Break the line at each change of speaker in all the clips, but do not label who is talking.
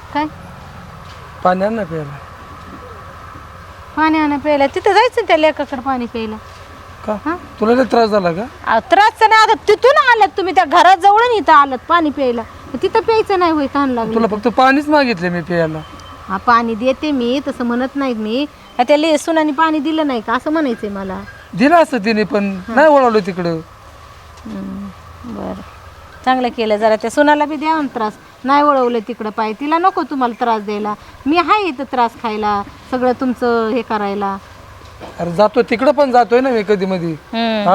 काय
पाणी आण ना प्यायला.
पाणी आणा प्यायला तिथं जायचं त्या लेकाकडे पाणी प्यायला.
का तुला लय त्रास झाला का?
त्रास नाही आता तिथून आलात तुम्ही त्या घरात जवळ इथं आलात पाणी प्यायला तिथं प्यायचं नाही होय तहान लागली.
तुला फक्त पाणीच मागितले मी प्यायला.
हा पाणी देते मी तसं म्हणत नाहीत मी त्या सुनाने पाणी दिलं नाही का असं म्हणायचंय मला.
दिलं असतं तिने पण नाही वळवलं तिकडं.
बरं चांगलं केलं जरा त्या सुनाला बी द्या त्रास नाही वळवलं तिकडं पाय तिला नको तुम्हाला त्रास द्यायला मी आहे इथं त्रास खायला सगळं तुमचं हे करायला.
अरे जातो तिकडं पण जातोय ना मी कधी मधी. हा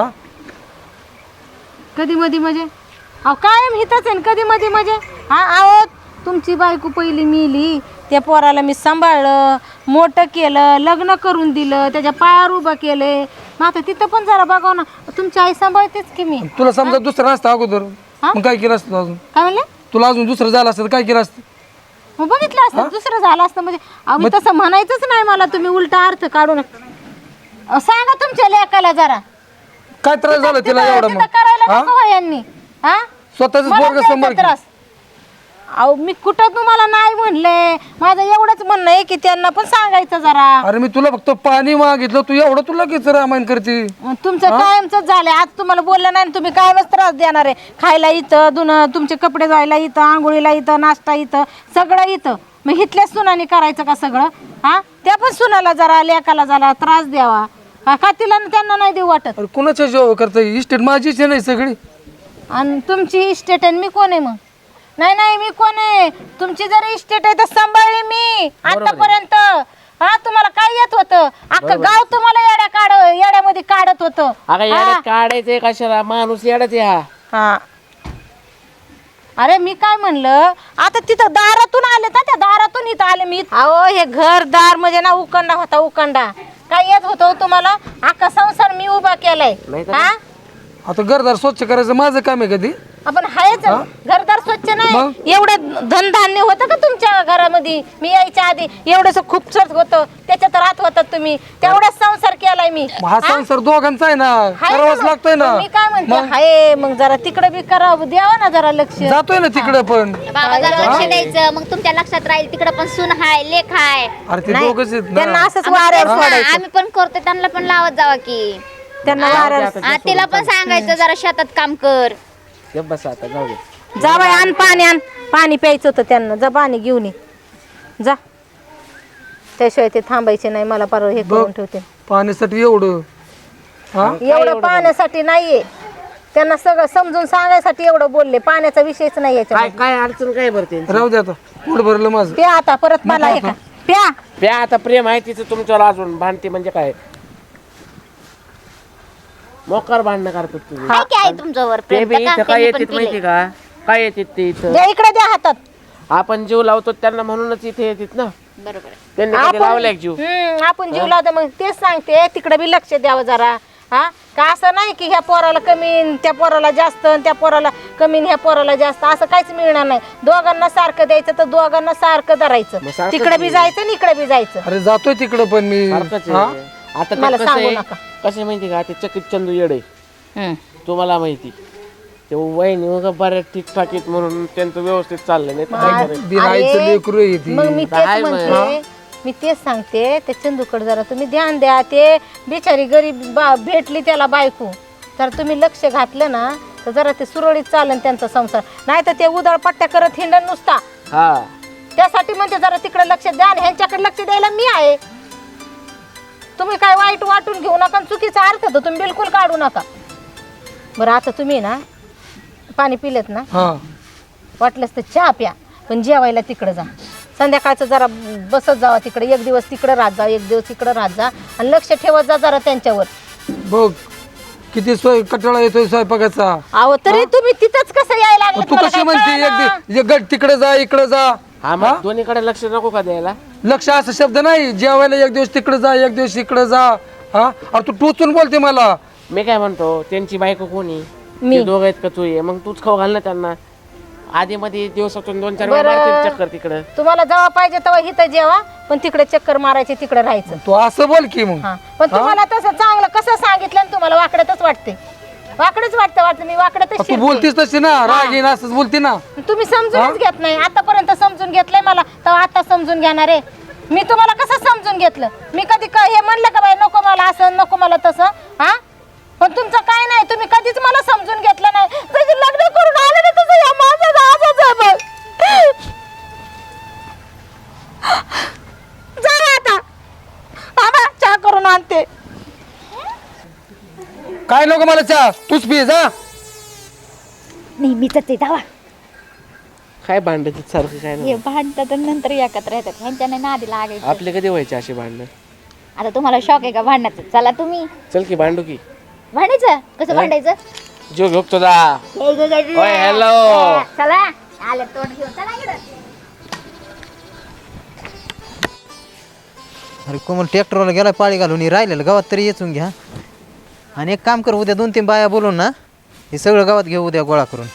कधी मधी म्हणजे अहो कायम हिथंच आहे कधी मधी म्हणजे हा आहो तुमची बायको पहिली मिली त्या पोराला मी सांभाळलं मोठं केलं लग्न करून दिलं त्याच्या पायावर उभं केले मग आता तिथं पण जरा बघाव ना तुमची आई सांभाळतेच की मी.
तुला समजा दुसरं असतं अगोदर मग काय केलं असतं अजून?
काय म्हणले
तुला अजून दुसरं झालं असतं काय केलं असतं?
मग बघितलं असतं दुसरं झालं असतं म्हणजे आम्ही तसं म्हणायचंच नाही मला तुम्ही उलटा अर्थ काढू नका. सांगा तुमच्या लेकाला जरा
काय त्रास झाला तिला एवढा मग?
करायला नको हो यांनी हा
स्वतःच
मला
पोरग
द्यायचा
समोर
त्रास. अहो मी कुठं तुम्हाला नाही म्हणले माझं एवढंच म्हणणं आहे की त्यांना पण सांगायचं जरा.
अरे मी तुला फक्त पाणी मागितलं तू एवढं तुला लगेच रामायण करते.
मग तुमचं कायमच झालंय आज तुम्हाला बोललं नाही आणि तुम्ही कायमच त्रास देणार आहे खायला इथं धुणं तुमचे कपडे धुवायला इथं आंघोळीला इथं नाश्ता इथं सगळं इथं मग इथल्याच सुनाने करायचं का सगळं हा त्या पण सुनाला जरा लेकाला जरा त्रास द्यावा का तिला त्यांना नाही देऊ वाटत.
अरे कुणाच्या जेव्हा करता इस्टेट माझीच आहे नाही सगळी
आणि तुमची इस्टेट आहे मी कोण आहे मग? नाही नाही मी कोण आहे तुमची जर इस्टेट आहे तर सांभाळली मी आतापर्यंत. हा तुम्हाला काय येत होतं अख्खं गाव तुम्हाला येड्यामध्ये काढत होतं.
अगं येड्यात काढायचंय कशाला माणूस येडाच हा.
हा अरे मी काय म्हणलं आता तिथं दारातून आले ना त्या दारातून इथं आले मी. अहो हे घरदार म्हणजे ना उकंडा होता उकंडा काय येत होतं धुमाला अख्खा संसार मी उभा केलाय. हा
आता घरदार स्वच्छ करायचं माझं काम आहे कधी?
आपण हायच घरदार स्वच्छ नाही एवढं धनधान्य होतं का तुमच्या घरामध्ये मी यायच्या आधी एवढंच खूप होतं त्याच्यात राहत होतात तुम्ही तेवढाच संसार केलाय मी.
हा संसार दोघांचा आहे ना करावाच लागतोय ना.
मी काय म्हणते हाय मग जरा तिकडे बी करावं द्यावं ना जरा लक्ष.
जातोय ना तिकडे पण
बाबा जरा लक्ष द्यायचं मग तुमच्या लक्षात राहील तिकडे पण सून हाय लेख हाय.
अरे ते दोघच आहेत ना.
त्यांना असंच वाऱ्यावर सोडायचं
आम्ही पण करतो त्यांना पण लावत जावा की
त्यांना वाऱ्यावर
तिला पण सांगायचं जरा शेतात काम कर.
बस आता जाऊ दे.
जा बाई आण पाणी प्यायचं होतं त्यांना जा पाणी घेऊन ये जा त्याशिवाय ते थांबायचे नाही मला परवा हे करून ठेवते.
पाण्यासाठी एवढं हा
एवढं पाण्यासाठी नाहीये त्यांना सगळं समजून सांगायसाठी एवढं बोलले पाण्याचा विषयच नाही याच्या.
काय काय अडचण काय भरते
राहू दे आता पोट भरलं माझं.
प्या आता परत मला हे का प्या
प्या आता प्रेम आहे तिचं तुमच्यावर अजून भांडते म्हणजे काय मोकार भांडणं करतात तुम्ही.
काय काय आहे तुमच्यावर
ते
प्रेम
बी
तर
इथं
काम
काय
त्यांनी पण
येतात माहिती
केलंय.
का काय येतात ते इथं
द्या इकडे द्या हातात.
आपण जीव लावतो त्यांना म्हणूनच इथे येतात ना.
बरोबर आहे.
त्यांनी कधी लावलाय का जीव?
आपण जीव लावतो मग तेच सांगते तिकडे बी लक्ष द्यावं जरा. हा का असं नाही की ह्या पोराला कमी त्या पोराला जास्त त्या पोराला कमी ह्या पोराला जास्त असं काहीच मिळणार नाही. दोघांना सारखं द्यायचं तर दोघांना सारखं धरायचं
मग सारखंच
तिकडे बी जायचं आणि इकडे बी जायचं.
अरे जातोय तिकडे पण मी
सारखंच
हा?
आहे. आता ते
मला
कसं
सांगू
आहे
नका.
कसं माहिती का ते चकित चंदू येडे तुम्हाला माहिती ते वहिनी मग बऱ्याच ठीकठाक आहेत म्हणून त्यांचं व्यवस्थित चाललंय नाही तर काय करायचं?
बिनाईचं लेकरू आहे ती.
मग मी
काय
तेच
म्हण-
म्हणते मी तेच सांगते त्या चंदूकडे जरा तुम्ही ध्यान द्या. ते बिचारी गरीब भेटली त्याला बायको तर तुम्ही लक्ष घातलं ना तर जरा ते सुरळीत चालन त्यांचा संसार. नाही तर ते उधळपट्ट्या करत हिंडण नुसता
हा
त्यासाठी म्हणते जरा तिकडे लक्ष द्या आणि ह्यांच्याकडे लक्ष द्यायला मी आहे. तुम्ही काय वाईट वाटून घेऊ नका आणि चुकीचा अर्थ तर तुम्ही बिलकुल काढू नका. बरं आता तुम्ही ना पाणी पिलेत ना
हा
वाटलंच तर चहा प्या पण जेवायला तिकडं जा. संध्याकाळचं जरा बसत जावा तिकडे एक दिवस तिकडं राहत जा एक दिवस तिकडं राहत जा आणि लक्ष ठेवत जा जरा त्यांच्यावर.
बघ किती कटाळा येतोय स्वयंपाकाचा.
अहो तरी तुम्ही तिथंच कसं यायला लागलं
तू कशी म्हणते एक गट तिकडे जा इकडे जा.
हा मग दोन्हीकडे लक्ष नको का द्यायला?
लक्ष असा शब्द नाही जेवायला एक दिवस तिकडे जा एक दिवस इकडे जा. हा अरे तू टोचून बोलते मला.
मी काय म्हणतो त्यांची बायको कोणी
मी.
ते दोघं आहेत का तू ये मग तूच खाऊ घाल ना त्यांना. आधी मध्ये दिवसातून 2-4 वेळा मारतील चक्कर तिकडं.
तुम्हाला जेव्हा पाहिजे तेव्हा इथं जेवा पण तिकडे चक्कर मारायचे तिकडे राहायचं.
तू असं बोल की मग.
हा पण तुम्हाला तसं चांगलं कसं सांगितलं आणि तुम्हाला वाकड्यातच वाटते. वाकडच वाटतं मी वाकडं तर
तू
शिरते.
बोलतीस तशी ना, राग येईन असंच बोलते ना.
तुम्ही समजूनच घेत नाही. आतापर्यंत समजून घेतलंय मला, तर आता समजून घेणार आहे. मी तुम्हाला कसं समजून घेतलं? मी कधी हे म्हणलं का बाई नको मला असं नको मला तसं? हा, पण तुमचं काय नाही, तुम्ही कधीच मला समजून घेतलं नाही. जसं लग्न करून आले ना तसं या माझं आजच आहे बघ. जा आता बाबा, चहा करून आणते.
काय नको मला चहा, तूच पी जा.
नेहमीच ते दावा
काय भांडायचं सारखं काय नाही.
हे भांडतात आणि नंतर एकत्र येतात, ह्यांच्याने नादी लागायचं.
आपले कधी व्हायचे असे भांडणं?
आता तुम्हाला शॉक आहे का भांडण्याचं? चला तुम्ही
चल की भांडू की.
भांडायचं. कसं भांडायचं?
जो घेऊ तुझा. ओय हॅलो.
चला आले तोंड घेऊन चला इकडं.
अरे कोमल ट्रॅक्टरवाला गेला पाळी घालून, हे राहिलेलं गावात तरी येचून घ्या. आणि एक काम कर, उद्या 2-3 बाया बोलून ना हे सगळं गावात घेऊ उद्या गोळा करून.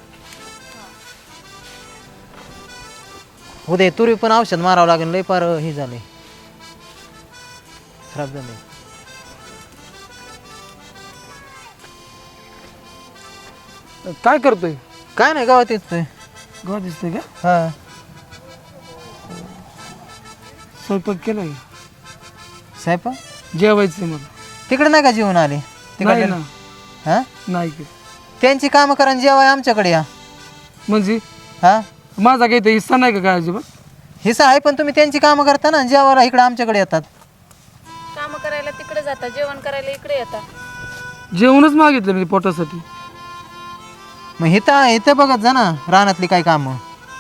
उद्या तुरी पण औषध मारावं लागेल, लय पार हे झाले, खराब झाले.
काय करतोय?
काय नाही, गावात येतोय.
गाव दिसतंय का?
हा,
स्वयंपाक केलाय?
साहेब
जेवायचं मला.
तिकडे नाही का जेवण आले?
नाही
तिकडे
ना,
हा,
नाही का?
त्यांची कामं करा आणि जेवाय आमच्याकडे या.
म्हणजे
हा,
माझा काही हिस्सा नाही का काय अजिबात?
हिस्सा आहे, पण तुम्ही त्यांची कामं करता ना, जेवायला इकडे आमच्याकडे येतात.
काम करायला तिकडे जातात, जेवण करायला इकडे येतात.
जेवणच मागितलं मी पोटासाठी.
मग इथं बघत जा ना रानातली काय कामं.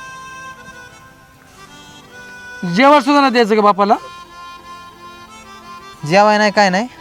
जेवण सुद्धा नाही द्यायचं का बापाला?
जेवाय नाही काय नाही.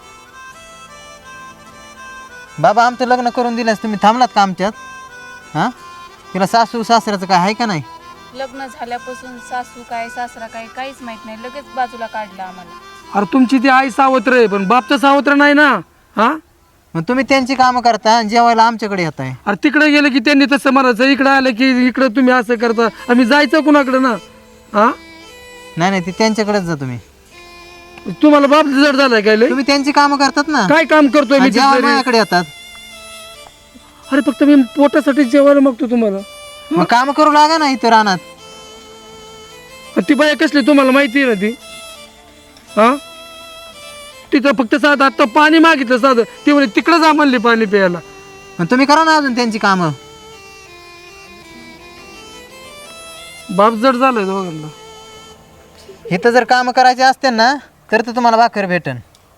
बाबा आमचं लग्न करून दिल्यास तुम्ही थांबलात का आमच्यात? हां, तिला सासू सासऱ्याचं काय आहे का नाही?
लग्न झाल्यापासून सासू काय सासरा काय काहीच माहित नाही, लगेच बाजूला काढलं आम्हाला.
अरे तुमची ती आई सावत्र आहे, पण बाप तर सावत्र नाही ना. हा,
मग तुम्ही त्यांची कामं करता आणि जेवायला आमच्याकडे येत आहे.
अरे तिकडे गेलं की त्यांनी तसं म्हणायचं, इकडे आलं की इकडे तुम्ही असं करता. आम्ही जायचं कुणाकडे ना? हा,
नाही नाही, ती त्यांच्याकडेच जा तुम्ही.
तुम्हाला बाप जड झालाय काय लय?
तुम्ही त्यांची कामं करतात ना,
काय काम करतोय मी
आणि जेवायला
तिथं रे?
माझ्याकडे येतात.
अरे फक्त मी पोटासाठी जेवायला मागतो तुम्हाला.
मग कामं करू लागा ना इथं रानात.
ती बाया कसली तुम्हाला माहिती आहे ना ती? हा, तिथं फक्त साधं आता पाणी मागितलं साधं, ती म्हणे तिकडे जा म्हणली पाणी प्यायला.
मग तुम्ही करा ना अजून त्यांची कामं.
बाप जड झालाय दोघांना.
इथं जर कामं करायचे असते ना तर तुम्हाला भाकर भेटन,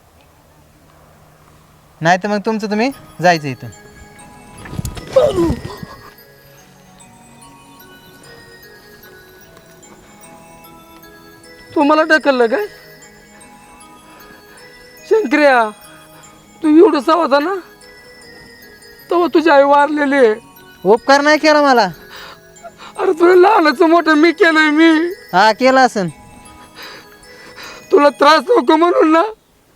नाही तर मग तुमचं तुम्ही जायचं इथं.
तुम्हाला ढकललं काय? शंकर्या, तू एवढं होता ना तेव्हा तुझी आई वारलेली आहे.
उपकार नाही केला मला.
अरे तुला लहानाचं मोठं मी केलंय. मी
हा केला असन.
तुला त्रास नको म्हणून ना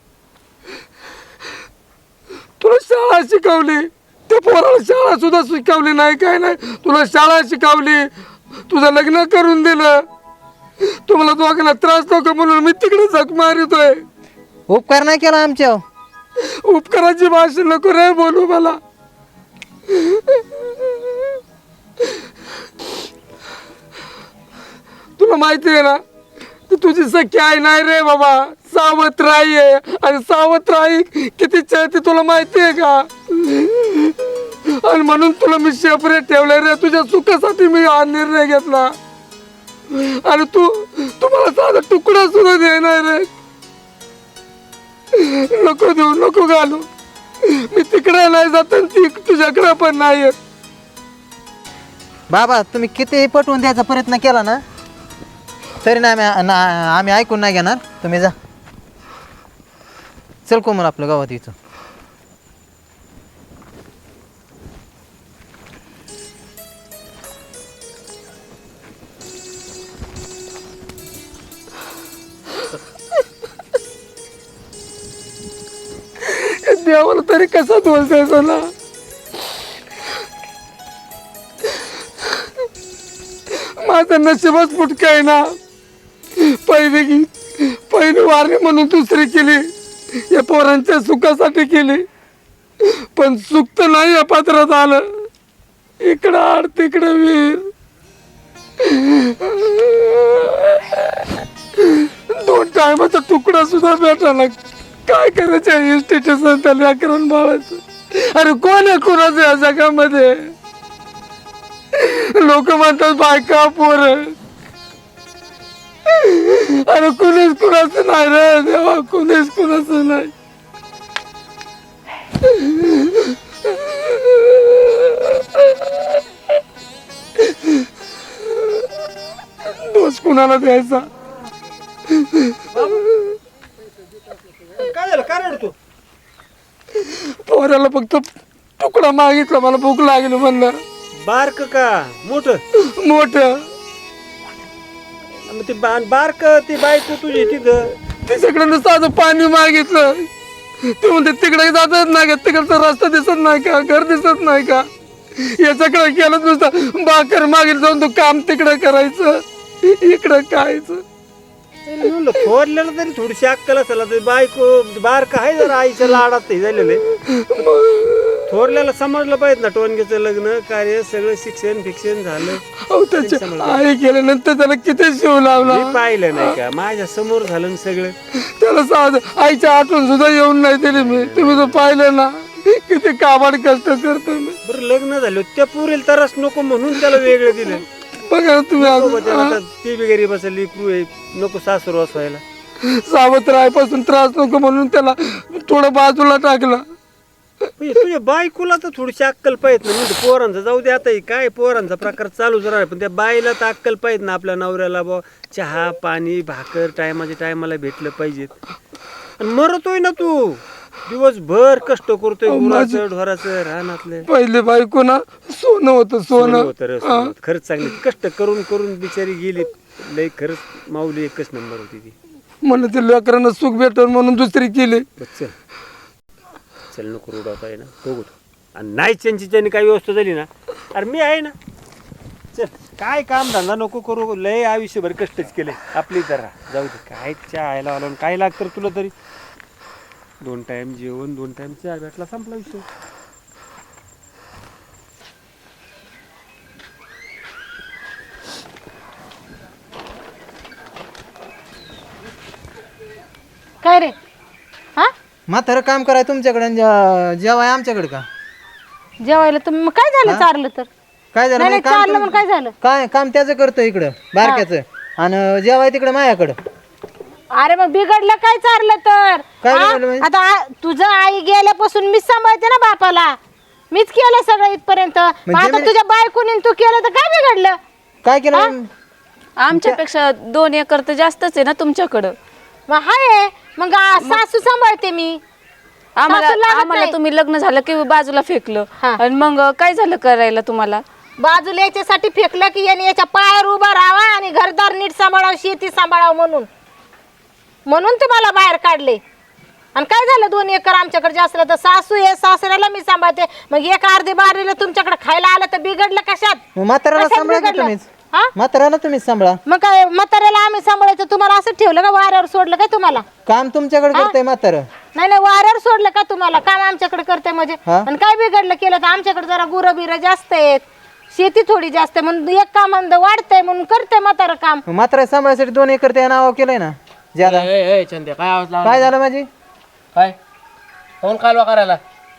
तुला शाळा शिकवली, त्या पोराला शाळा सुद्धा शिकवली नाही, काय नाही. तुला शाळा शिकवली, तुझं लग्न करून दिलं. तुम्हाला दोघांना त्रास नको म्हणून मी तिकडे जग मारितोय.
उपकार नाही केला आमच्या.
उपकाराची भाषा नको रे बोलू मला. तुला माहिती आहे ना, ती तुझी सख्खी आई नाही रे बाबा, सावत्र आई आहे. आणि सावत्र आई किती चळते तुला माहिती आहे का? आणि म्हणून तुला मी सेपरेट ठेवलंय रे, तुझ्या सुखासाठी मी हा निर्णय घेतला. आणि तू मला साधा तुकडा सुद्धा देणार रे. नको देऊ, नको घालू. मी तिकडे नाही जात आणि ती तुझ्याकडे पण नाही येत.
बाबा तुम्ही कितीही पटवून द्यायचा प्रयत्न केला ना तरी नाही आम्ही ऐकून नाही घेणार. तुम्ही जा. चल कोमल आपलं गावात इथं.
देवाला तरी कसा दोष द्यायचा ना? माझं नशीबच फुटकं आहे ना. पहिली वारणी म्हणून दुसरी केली, या पोरांच्या सुखासाठी केली. पण सुख तर नाही या पात्रात आलं. इकडं आड तिकडं वीर, 2 टायमाचा तुकडा सुद्धा भेटायला. काय करायचं इस्टेटचं त्या लेकरांना बाळाचं? अरे कोण आहे कोणाचं या जगामध्ये? लोक म्हणतात बायका पोरं, अरे कुणीच कुणाचं नाही रे देवा, कुणीच कुणाचं नाही. दोष कुणाला द्यायचा?
काय झालं? काय रडतो?
पोराला फक्त तुकडा मागितला, मला भूक लागली म्हणलं.
बारक का मोठ?
मोठ
ते बारक ती बायको तुझी तिथं
तिच्याकडे साधं पाणी मागितलं. ते म्हणते तिकडे जातच नाही का, तिकडचा रस्ता दिसत नाही का, घर दिसत नाही का? याच्याकडे केलं नुसतं बाकर मागेल जाऊन तू काम तिकडे करायचं, इकडं खायचं.
थोरल्याला तरी थोडीशी अक्कल असेल. तर बायको बारक आहे जरा आईच्या लाडात हे झालेले. थोरल्याला समजलं पाहिजे ना, टोनगेचं लग्न कार्य सगळं शिक्षण फिक्षण झालं.
अहो त्याची आई गेल्यानंतर त्याला किती शिव लावला.
मी पाहिलं नाही का, माझ्या समोर झालं ना सगळं.
त्याला साध आईच्या आठवण सुद्धा येऊन नाही दिली मी. तुम्ही तर पाहिलं ना किती काबाड कष्ट करतो मी.
बरं लग्न झालं त्या पुरेल तरच नको म्हणून त्याला वेगळं दिलं.
बघा तुम्ही
आता ती बी गरीब असेल, लेकरू आहे, नको सासुरवास व्हायला.
सावत्र आईपासून त्रास नको म्हणून त्याला थोडं बाजूला टाकलं.
तुझ्या बायकोला तर थोडीशी अक्कल पाहिजे ना. म्हणजे पोरांचं जाऊ दे, आता काय पोरांचा प्रकार चालूच राहणार, पण त्या बाईला तर अक्कल पाहिजे ना. आपल्या नवऱ्याला बा चहा पाणी भाकर टायमाच्या टायमाला भेटलं पाहिजेत. आणि मरतोय ना तू, दिवसभर कष्ट करतोय, गुराचं ढोराचं रानातलं.
पहिले बायको ना सोनं होतं, सोनं
होतं रे, सोनं होतं. खरंच चांगली कष्ट करून करून बिचारी गेली. लय खरंच माऊली एकच नंबर होती ती.
म्हणून ते लेकरांना सुख भेटल म्हणून दुसरी केली.
चल चल नको रुडवता आहे ना बघू. आणि नाही त्यांची काही व्यवस्था झाली ना, अरे मी आहे ना. चल काय काम धंदा नको करू, लय आयुष्यभर कष्टच केले आपली. जरा जाऊ दे, काय चहा आयला आलो काय लागतं तुला तरी. 2 टाइम जेवण 2 टाइम चहा भेटला, संपला विषय.
काय रे? हा
म्हातारं काम कराय तुमच्याकडे आणि जेवाय आमच्याकडे का?
जेवायला तुम्ही मग काय झालं चारलं तर?
काय झालं?
नाही,
म्हणजे
नाही, चारलं मग काय झालं?
काय काम त्याचं करतो इकडं बारक्याचं, आणि जेवाय तिकडं माझ्याकडं.
अरे मग बिघडलं काय चारलं तर?
काय
हा?
बिघडलं म्हणजे?
आता तुझं आई गेल्यापासून मीच सांभाळते ना बापाला, मीच केलं सगळं इथपर्यंत. मग आता तुझ्या बायकोनी तू केलं तर काय बिघडलं?
काय केलं?
आमच्यापेक्षा 2 एकर तर जास्तच आहे ना तुमच्याकडं.
मग हाय, मग सासू सांभाळते मी. सासू लागत
आम्हाला
नाही.
तुम्ही लग्न झालं की बाजूला फेकलं.
हा.
आणि मग काय झालं करायला तुम्हाला?
बाजूला याच्यासाठी फेकलं की याने याच्या पायावर उभा राहावा आणि घरदार नीट सांभाळावं, शेती सांभाळावं म्हणून तुम्हाला बाहेर काढले. आणि काय झालं 2 एकर आमच्याकडे जास्त तर सासू आहे, सासऱ्याला मी सांभाळते. मग 1 अर्धी बारीला तुमच्याकडे खायला आलं तर बिघडलं कशात?
म्हाताऱ्याला
कशात
सांभाळा की
बिघडलं?
तुम्हीच.
हा?
म्हाताऱ्याला तुम्हीच सांभाळा.
मग काय म्हाताऱ्याला आम्ही सांभाळायचं, तुम्हाला असं ठेवलं का? वाऱ्यावर सोडलं काय तुम्हाला?
काम तुमच्याकडे करतंय म्हातारं.
नाही नाही, वाऱ्यावर सोडलं का तुम्हाला? काम आमच्याकडे करते म्हणजे.
हा?
आणि काय बिघडलं केलं तर? आमच्याकडे जरा गुरं बिरं जास्त आहेत, शेती थोडी जास्त आहे, म्हणून एक काम वाढतंय म्हणून करते म्हातारं काम.
म्हातारा सांभाळायसाठी 2 एकर त्या नाव केलंय ना. ज्यादा
चंद्या काय आवाज लावला?
काय झालं माझी?
काय कोण कालवा करायला?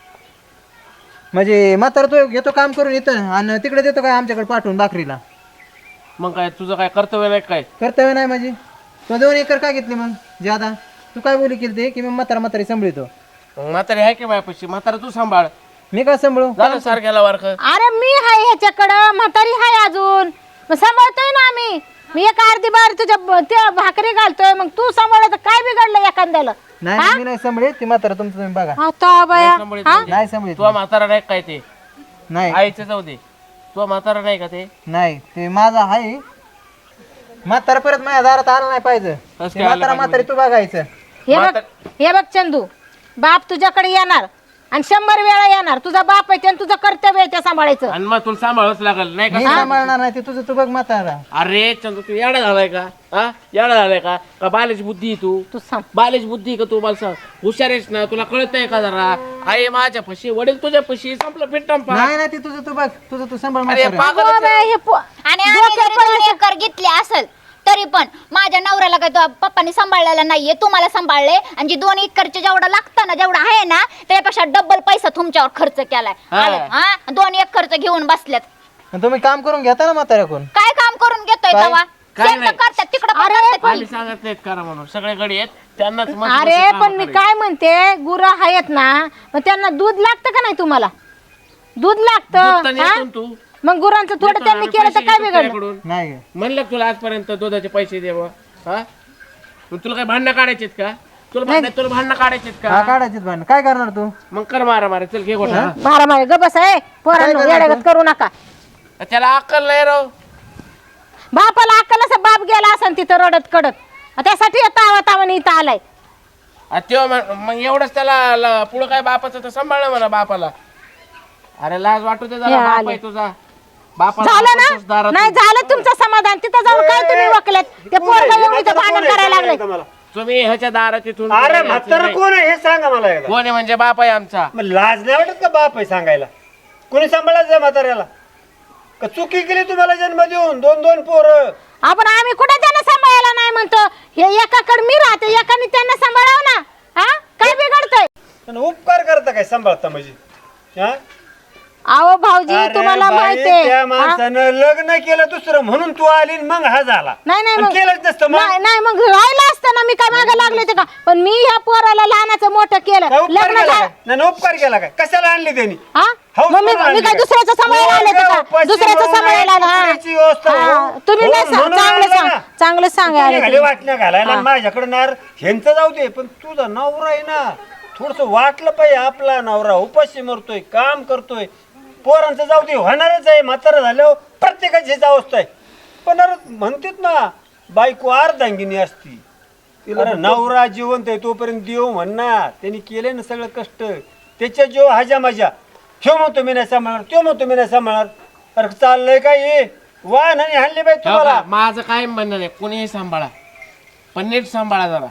म्हणजे म्हातारा तो घेतो काम करून येतं आणि तिकडे देतो काय आमच्याकडे पाठवून भाकरीला?
मग काय तुझं काय कर्तव्य नाही काय?
कर्तव्य नाही माझी. तू 2 एकर का घेतली मग ज्यादा? तू काय बोली केली ते की मी म्हातारी सांभाळतो?
मग म्हातारी आहे की माझ्यापाशी, म्हातारा तू सांभाळ.
मी काय सांभाळू?
झालं सारख्याला वारक.
अरे मी हाय ह्याच्याकडं, म्हातारी हाय अजून, मग सांभाळतोय ना आम्ही. मी 1 अर्धी बार तुझ्या त्या भाकरी घालतोय, मग तू सांभाळत काय बिघडलं एखाद्याला?
नाही मी नाही सांभाळत. ती म्हातारा तुमचं तुम्ही बघा.
आता बाया
नाही सांभाळत.
तुझा म्हातारा नाही काय ते?
नाही
आईचं जाऊ दे, तुझा म्हातारा नाही का ते?
नाही ते माझा आहे. म्हातारा परत माझ्या दारात आला नाही पाहिजे.
कसं
ते
काय आलं
म्हातारा
पाहिजे
तू बघायचं.
हे बघ चंदू, बाप तुझ्याकडे येणार आणि 100 वेळा येणार. तुझा बाप आहे ते आणि तुझं कर्तव्य आहे ते सांभाळायचं.
आणि मग तुला सांभाळच लागल नाही
मी
का?
सांभाळणार नाही ते तुझं तू बघ म्हातारा.
अरे चंद्र तू येडा झालाय का? हा येडा झालाय का? का बालेज बुद्धी आहे तू?
तू सांग.
बालेज बुद्धी आहे का तू? मला सांग. हुशार आहेस ना? तुला कळत नाही का जरा? आई माझ्या पशी, वडील तुझ्या पशी, संपलं पिट्टम
नाही नाही ते तुझं तू बघ, तुझं तू सांभाळ
अरे
म्हातारा.
पागल
अगं बाई, हे
आणि आम्ही जरी 2 एकर घेतले असेल तरी पण माझ्या नवऱ्याला काय तो पप्पानी सांभाळलेला नाहीये, तुम्हाला सांभाळले. आणि जी 2 एकरचे जेवढं लागतं ना, जेवढं आहे ना, त्यापेक्षा डबल पैसा तुमच्यावर खर्च केलाय. हा 2 एकरचं घेऊन बसल्यात.
आणि तुम्ही काम करून घेता ना म्हाताऱ्याकडून.
काय काम करून घेतोय
काय?
तेव्हा?
काय
शेत
नाही.
करतात तिकडं पण करतात की.
आम्ही सांगत नाहीत करा म्हणून. सगळ्याकडे येत त्यांनाच मस्त
अरे
मस्त कामं
पण मी
करायची.
काय म्हणते, गुरं आहेत ना, मग त्यांना दूध लागतं का नाही तुम्हाला? दूध
दूध तर
लागतं.
नेतो
हा?
ना तू.
मग गुरांचं थोडं
नेतो
त्यांनी
ना,
केलं तर
पैसे
काय
घेतो
बिघडलं?
तुझ्याकडून.
नाही ग.
म्हणलं का तुला आजपर्यंत दुधाचे पैसे द्यावं? हा मग तुला काय भांडणं काढायचेत का? तुला भांडणं काढायचेत
हा
का?
काढायची भांडण. काय करणार तू?
मग कर मारा मारा. चल घे गोठा.
मारा ग बस आहे पोरांनो,
काय
येड्यागत करू नका.
त्याला अक्कल नाही राव.
बापाला अक्कल असं बाप गेला असं तिथं रडत कडत, त्यासाठी तावा तावाने इथं आलाय.
तेव्हा मग एवढंच त्याला पुढं काय बापाचं तर सांभाळलं म्हणा बापाला. अरे लाज वाटू दे जरा.
हे
बाप
आले.
आहे तुझा. बापाला
झालं
आपणच
ना?
दारात
नाही झालं तुमचं समाधान. तिथं जाऊन काय तुम्ही वकल्यात? ते पोरगं येऊन इथं भांडण करायला लागले.
मला
तुम्ही ह्याच्या दारात इथून
अरे म्हातारं कोण आहे हे सांगा मला एकदा.
कोण आहे म्हणजे बाप आहे आमचा.
मग लाज नाही वाटत का बाप आहे सांगायला? कोणी सांभाळायचं म्हाताऱ्याला? का चुकी केली तुम्हाला जन्म देऊन 2-2 पोरं?
आपण आम्ही कुठे त्यांना सांभाळायला नाही म्हणतो. हे एकाकडे मी राहते, एकाने त्यांना सांभाळावं ना. हा काय बिघडतंय?
आणि उपकार करता काय सांभाळता म्हणजे? हा?
अहो भाऊजी
अरे
तुम्हाला
बाई,
माहितीये
त्या
हा?
माणसानं लग्न केलं दुसरं म्हणून तू आली आणि मग हा झाला.
नाही नाही
आणि
मग
केलंच नसतं मग.
नाही मग राहिलं असतं ना. मी काय मागे लागले होते का? पण मी ह्या पोराला लहानाचं मोठं केलं.
काय उपकार
लग्न
केला
झालं.
काय? नाही उपकार केला काय? कशाला आणली त्यांनी?
हा?
हौस
मग मी
म्हणून आणली
काय
काय?
दुसऱ्याचं सांभाळायला आले होते का?
उपाशी
दुसऱ्याचं
म्हणून
सांभाळायला
नाही,
ना.
कुत्र्याची व्यवस्था
हा,
हो.
तुम्ही
हो,
नाही सांग.
म्हणून
चांगलं
आणलं
सांग.
ना.
चांगलं सांगा
तू
आले
निघाली वाटण्या घालायला आणि माझ्याकडे नार ह्यांचं जाऊ दे, पण तुझा नवरा आहे ना, थोडस वाटलं पाहिजे. आपला नवरा उपाशी मरतोय, काम करतोय, पोरांचं जाऊ दे, होणारच आहे. म्हातारं झाल्यावर प्रत्येकाची हीच अवस्था आहे. पण अरे म्हणतात ना, बायको अर्धांगिनी असती. अरे नवरा जिवंत आहे तोपर्यंत देव म्हणणार. त्यांनी केले ना सगळं कष्ट, त्याच्या जीव हाजा माझ्या. ह्यो म्हणतो मी नाही सांभाळणार, तो म्हणतो मी नाही सांभाळणार. अरे चाललंय काय हे? वाहन आणि हल्ली बाई तुम्हाला.
माझं काय म्हणणं नाही. कोणीही सांभाळा पण नीट सांभाळा जरा.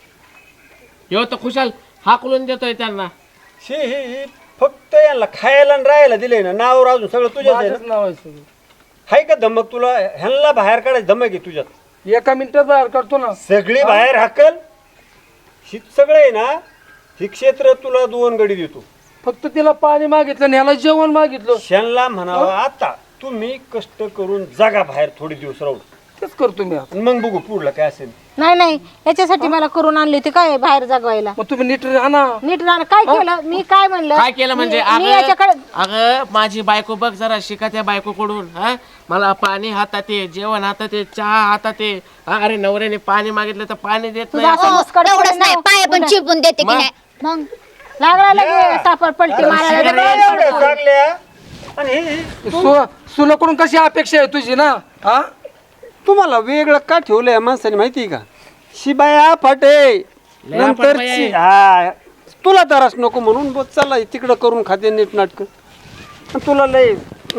ह्यो तर खुशाल हाकलून देतोय त्यांना.
ही फक्त यांना खायला आणि राहायला दिले ना, नावर अजून सगळं तुझ्याच आहे ना.
नाव आहे सगळं.
हाय का धमक तुला? ह्यांना बाहेर काढायची धमक आहे तुझ्यात.
एका मिनिटात बाहेर काढतो ना.
सगळी बाहेर हाकल. ही सगळं आहे ना, ही क्षेत्र तुला 2 गडी देतो.
फक्त तिला पाणी मागितलं आणि ह्याला जेवण मागितलं.
त्यांना म्हणावं आता तुम्ही कष्ट करून जगा बाहेर थोडे दिवस राहून,
तेच करतो मी आता.
आणि मग बघू पुढलं काय असेल.
नाही नाही याच्यासाठी मला करून आणली होती काय बाहेर जगवायला.
मग तुम्ही नीट आणा.
नीट राहणं काय केलं मी? काय म्हणलं?
काय केलं म्हणजे?
मी याच्याकडे
अगं माझी बायको बघ जरा शिका त्या बायकोकडून. हा मला पाणी हातात आहे, जेवण हातात आहे, चहा हातात आहे. अरे नवऱ्याने पाणी मागितलं तर पाणी देत
तुझा
नाही.
असं मुस्कट
एवढंच
पडेल
नाही,
ना.
पाय पण चिपून देते की
मग?
नाही. मग
लागला लगे सापड पलटी मारायला.
एवढ्या चांगल्या आणि हे
सुनाकडून कशी अपेक्षा आहे तुझी ना? हा
तुम्हाला वेगळं का ठेवलंय या माणसाने माहिती आहे का? शिबाया फाटे नंतर
बाई आहे.
हा तुला त्रास नको म्हणून बोल चालला तिकडं करून खाते नीट नाटक. तुला लय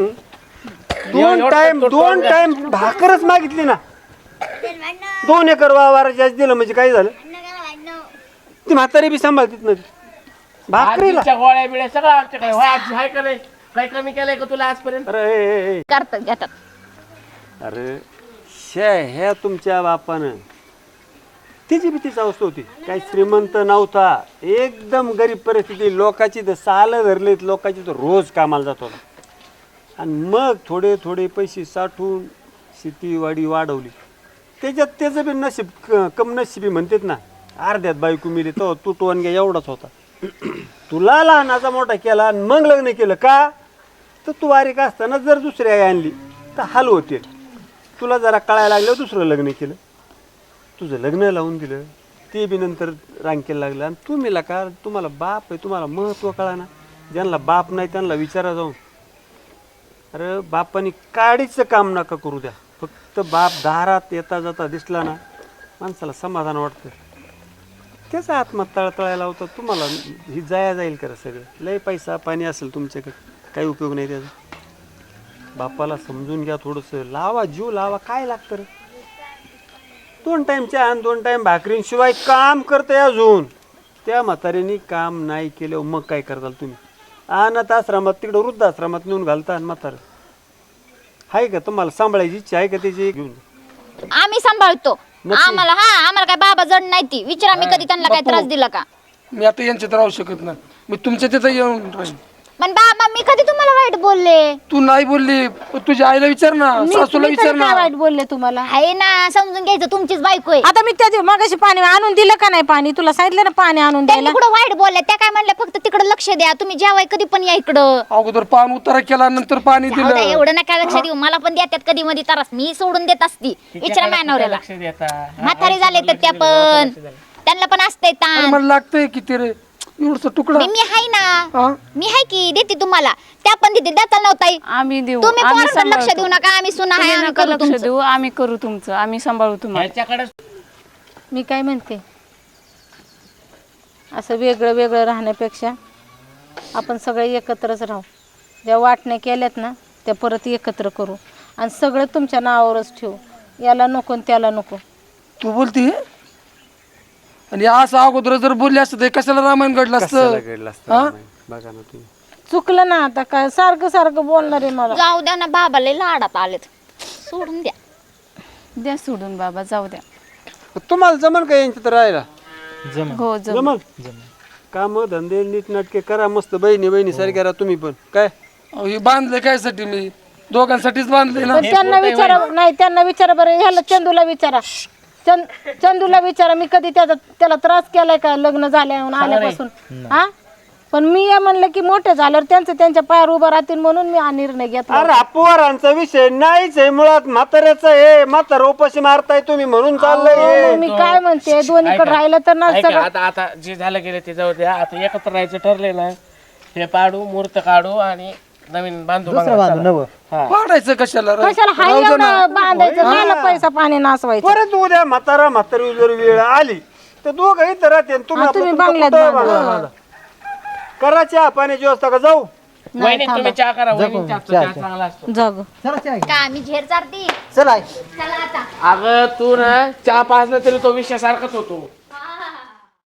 2 टाइम भाकरच मागितली ना. 2 एकर वावर जास्त दिलं म्हणजे काय झालं? ती म्हातारी बी सांभाळतीत ना ती. भाकरीला
आजीच्या गोळ्या बिळ्या सगळं आमच्याकडे. होय, आजी हाय का नाही? काही कमी केलंय का तुला आजपर्यंत?
अरे ए, ए,
करतात घेतात.
अरे ह्या तुमच्या बापानं तिची बी तीच अवस्था होती. काही श्रीमंत नव्हता, एकदम गरीब परिस्थिती. लोकांची तर सालं धरलीत, लोकांची तर रोज कामाला जात होता. आणि मग थोडे थोडे पैसे साठवून शेतीवाडी वाढवली. त्याच्यात त्याचं बी नशीब कम नशिबी म्हणतात ना. अर्ध्यात बायको मिली तो तू टोनग्या एवढाच होता. तुला लहानाचा मोठा केला आणि मग लग्न केलं का? तर तू बारीक असताना जर दुसरी आई आणली तर हाल होते. तुला जरा कळायला लागलं दुसरं लग्न केलं, तुझं लग्न लावून दिलं, ते बी नंतर रांकेला लागलं. आणि तुम्हीला का तुम्हाला बाप आहे, तुम्हाला महत्त्व कळा ना. ज्यांना बाप नाही त्यांना विचारा जाऊन. अरे बापानी काडीचं काम नका करू द्या. फक्त बाप दारात येता जाता दिसला ना, माणसाला समाधान वाटतं. त्याचा आत्मा तळतळायला होता तुम्हाला ही जाया जाईल करा सगळं लय पैसा पाणी असेल तुमच्याकडे काही उपयोग नाही त्याचा बापाला समजून घ्या थोडंसं लावा जीव लावा काय लागतं रे 2 टाइम चहा आणि 2 टाइम भाकरींशिवाय काम करते अजून त्या म्हाताऱ्याने काम नाही केलं मग काय करताल तुम्ही अनाथ आश्रमात तिकडं वृद्धाश्रमात नेऊन घालता आणि म्हातारं आहे का तुम्हाला सांभाळायची इच्छा आहे का त्याची घेऊन
आम्ही सांभाळतो आम्हाला काय बाबा जड नाही ती विचारा मी कधी त्यांना काय त्रास दिला का
मी आता यांच्यात राहू शकत नाही मी तुमच्या तिथं येऊन राहीन
पण बाबा मी कधी तुम्हाला वाईट बोलले
तू नाही बोलली पण तुझ्या आईला विचार ना सासूला
मी
विचार
तरी
ना
काय वाईट बोलले तुम्हाला
आहे ना समजून घ्यायचं तुमचीच बायको आहे
आता मी त्या मगाशी पाणी आणून दिलं का नाही पाणी तुला सांगितलं ना पाणी आणून
त्यांनी
द्यायला
कुठं वाईट बोलल्या त्या काय म्हणल्या फक्त तिकडे लक्ष द्या तुम्ही जेवाय कधी पण या इकडं
अगोदर पान उतारा केला नंतर पाणी
जाऊ द्या,
दिलं
एवढं नका लक्ष देऊ मला पण देतात कधी मध्ये त्रास मी सोडून देत असती विचारा मॅनवऱ्याला
लक्ष देता
म्हातारे झाले तर त्या पण त्यांना पण असतंय
अरे
ताण
मला लागतंय किती रे एवढसा तुकडा
मी हाय ना
हा?
मी हाय की देते तुम्हाला त्या पण देते देता नव्हताही
आम्ही देऊ
तुम्ही
आम्ही
पोरांकडे लक्ष
सांभाळतो.
देऊ नका आम्ही सुना हाय
तुम्ही
आम्ही
नका
करू
लक्ष
तुमचं.
देऊ आम्ही करू तुमचं आम्ही सांभाळू तुम्हाला
ह्याच्याकडे
मी काय म्हणते असं वेगळं वेगळं राहण्यापेक्षा आपण सगळे एकत्रच राहू ज्या वाटण्या केल्यात ना त्या परत एकत्र करू आणि सगळं तुमच्या नावावरच ठेवू याला नको आणि त्याला नको
तू बोलती आणि असं अगोदर जर बोलले असतं तर कशाला रामायण घडलं
कशाला
असतं
घडलं असतं रामायण? बघा ना तुम्ही
चुकलं ना आता काय सारखं सारखं बोलणार आहे मला
जाऊ द्या ना बाबाला लाडात आलेत सोडून द्या
द्या सोडून बाबा जाऊ द्या
तुम्हाला जमन का यांच्यात राहायला
हो जम
जमन काम धंदे नीट नाटके करा मस्त बहिणी सारख्या राहा तुम्ही पण काय
अहो, हे बांधले कायसाठी मी दोघांसाठीच बांधले ना
पण त्यांना विचारा नाही त्यांना विचारा बरं ह्याला चंदूला विचारा चंदूला विचारा मी कधी त्याला त्रास केलाय का लग्न झाल्यावर आल्यापासून हा पण मी या म्हणलं की मोठे झाल्यावर त्यांच्या पायावर उभं राहतील म्हणून मी हा निर्णय घेतला
अरे पोरांचा विषय नाहीच आहे मुळात म्हाताऱ्याचा हे म्हातार उपाशी मारताय तुम्ही म्हणून चाललंय
मग मी काय म्हणते दोन्हीकडे राहिलं तर ना
ऐका, आता जे झालं गेलं ते जाऊ द्या आता एकत्र राहायचं ठरले ना हे पाडू मूर्त काढू आणि नवीन बांधू
दुसरं बांधू नवं
पाडायचं कशाला रे?
कशाला हाय एवढं बांधायचं गेला पैसा पाणी नासवायचं
परत उद्या म्हातारी जर वेळ आली तर दोघं इथं राहते आणि तुम्ही
तुम्ही
आपलं
बांगल्यात
कुठं
बांधा.
बांधा. करा चहा पाण्याची व्यवस्था का जाऊ
वहिनी तुम्ही चहा करा वहिनीच्या हातचा चहा चांगला असतो
जग
चला चहा घे.
का मी झेर चारती
चला आई.
चला आता
अगं तू ना चहा पाजला तरी तो विषय सारखाच होतो